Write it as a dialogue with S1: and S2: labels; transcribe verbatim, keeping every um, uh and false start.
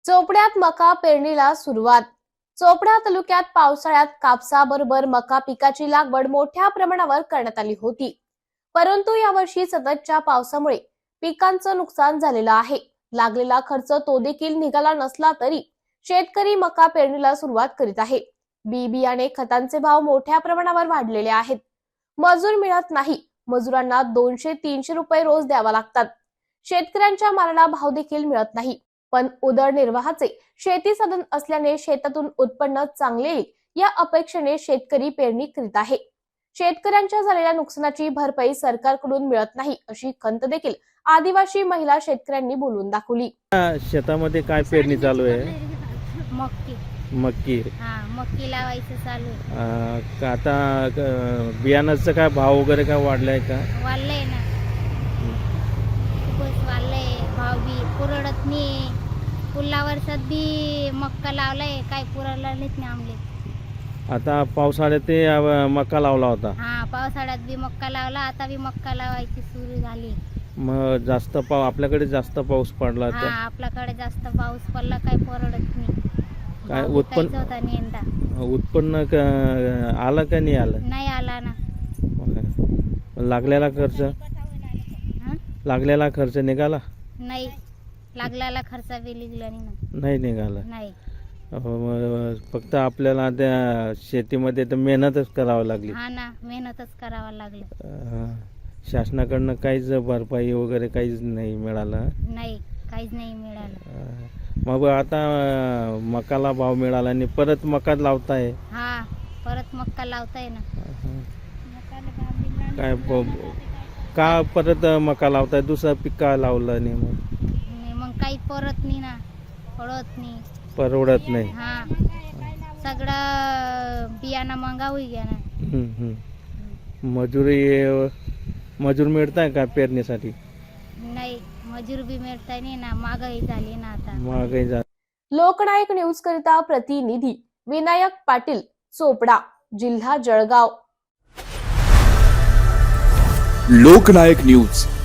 S1: चोपड्यात मका पेरणीला सुरुवात। चोपडा तालुक्यात पावसाळ्यात कापसाबरोबर मका पिकाची लागवड मोठ्या प्रमाणावर करण्यात आली होती, परंतु यावर्षी सततच्या पावसामुळे पिकांचं नुकसान झालेलं आहे। लागलेला खर्च तो देखील निघाला नसला तरी शेतकरी मका पेरणीला सुरुवात करीत आहे। बी बियाणे खतांचे भाव मोठ्या प्रमाणावर वाढलेले आहेत। मजूर मिळत नाही, मजुरांना दोनशे तीनशे रुपये रोज द्यावा लागतात। शेतकऱ्यांच्या मालाला भाव देखील मिळत नाही, पण उदरनिर्वाहाचे शेती साधन असल्याने शेतातून उत्पन्न चांगले येईल या अपेक्षेने शेतकरी पेरणी करीत आहे। शेतकऱ्यांच्या झालेल्या नुकसानाची भरपाई सरकारकडून मिळत नाही अशी खंत देखील आदिवासी महिला शेतकऱ्यांनी बोलून दाखवली।
S2: शेतामध्ये काय पेरणी चालू आहे?
S3: मक्की
S2: मक्की
S3: हा मक्की लावायचं चालू आहे।
S2: अं, का आता अं, बियाणाचं काय भाव वगैरे काय वाढलाय का?
S3: वाढलंय ना, खूपच वाढलंय भाव बी पुरवत नाही। पुढल्या वर्षात बी मक्का लावलाय, काय पुरवला नाही आमले।
S2: आता पावसाळ्यात ते अं, मका लावला होता।
S3: हा पावसाळ्यात बी मक्का लावला, आता बी मक्का लावायची सुरू झाली।
S2: मग जास्त पाव आपल्याकडे जास्त पाऊस पडला
S3: हा
S2: तर
S3: आपल्याकडे जास्त पाऊस पडला, काय परवडत नाही।
S2: काय
S3: भाव बी
S2: उत्पन्न
S3: काहीच होता नाही यंदा।
S2: उत्पन्न क- आलं का नाही आलं?
S3: नाही आला ना।
S2: लागलेला खर्च
S3: हा?
S2: लागलेला खर्च निघाला?
S3: नाही, लागलेला खर्च बी निघला नाही ना।
S2: नाही निघाला।
S3: नाही,
S2: अहो, मग फक्त आपल्याला त्या शेतीमध्ये तर मेहनतच करावी लागली।
S3: हा ना, मेहनतच करावं लागलं।
S2: अं, शासनाकडनं काहीच भरपाई वगैरे काहीच नाही मिळालं।
S3: नाही, काहीच नाही मिळालं।
S2: अं, मग आता अं, मकाला भाव मिळाला आणि परत मका लावताय?
S3: हा परत मक्का लावताय ना।
S2: अं, काय प- का परत मका लावताय? दुसरं पीक का लावलं नाही? मग
S3: आणि मग काही परत नाही ना, पडत नाही।
S2: परवडत नाही।
S3: हा सगळं बियाणं महागा होई गया ना।
S2: हम्म, हम्म. मजुरी मजूर मिळताय का पेरणीसाठी?
S3: नाही, मजूर बी मिळताय नाही ना, महागाई झाली ना आता।
S2: महागाई जा
S1: लोकनायक न्यूज करिता प्रतिनिधी विनायक पाटील, चोपडा, जिल्हा जळगाव।
S4: लोकनायक न्यूज